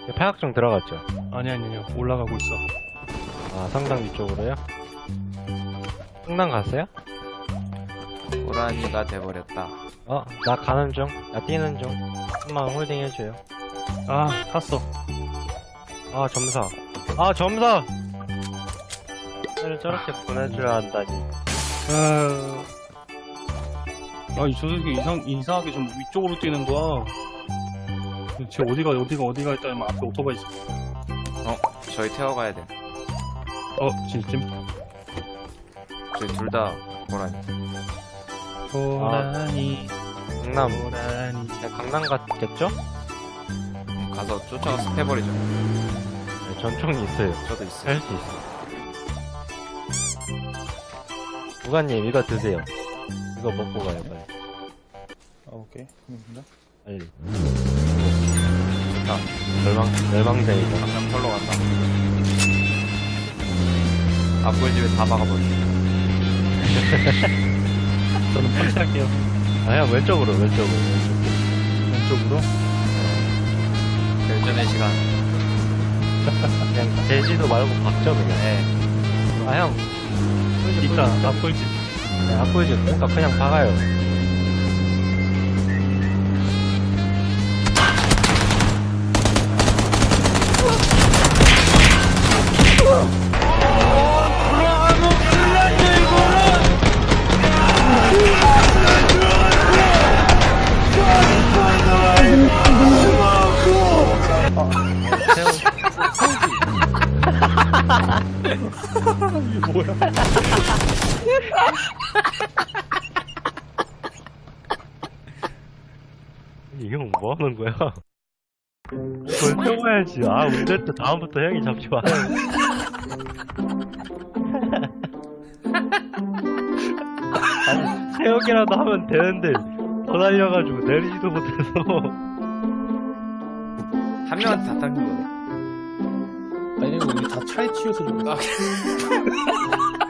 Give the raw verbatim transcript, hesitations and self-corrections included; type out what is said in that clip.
팔각정 들어갔죠? 아니 아니 아니 올라가고 있어. 아, 성당 위쪽으로요? 성당 갔어요? 고라니가 돼버렸다. 어, 나 가는 중. 나 뛰는 중. 한번 홀딩 해줘요. 아 탔어. 아, 점사. 아, 점사! 를 저렇게 보내줘야 한다니. 아, 아니 저 새끼 이상 이상하게 좀 위쪽으로 뛰는 거야. 쟤 어디가 어디가 어디가 있다면 앞에 오토바이 있어. 어, 저희 태워가야 돼. 어 진심? 저희 둘 다 고라니. 고라니 강남. 고라니. 네, 강남 갔겠죠? 음, 가서 쫓아가서 패버리죠. 네, 전총이 있어요. 저도 있어요. 할 수 있어. 부관님, 이거 드세요. 이거 먹고 가요, 빨리. 아 오케이. 고맙습니다. 빨리. 좋다. 멸망, 멸망자이다. 강남 털러 간다. 앞골집에 다 막아버려. 저는 펀치할게요. 아, 형, 왼쪽으로, 왼쪽으로. 왼쪽으로. 결전의 시간. 그냥 제지도 말고 박죠, 그냥. 네. 아, 형. 이따 앞골집. 네, 앞보이죠? 그러니까 그냥 박아요. 이게 뭐야? 이 형 뭐 하는 거야? 그걸 태워야지. 아, 운전대 다음부터 형이 잡지 마요. 아니, 세우기라도 하면 되는데, 더 달려가지고 내리지도 못해서. 한 명한테 다 당긴 거네. 아니 이거 우리 다 차에 치여서 좀.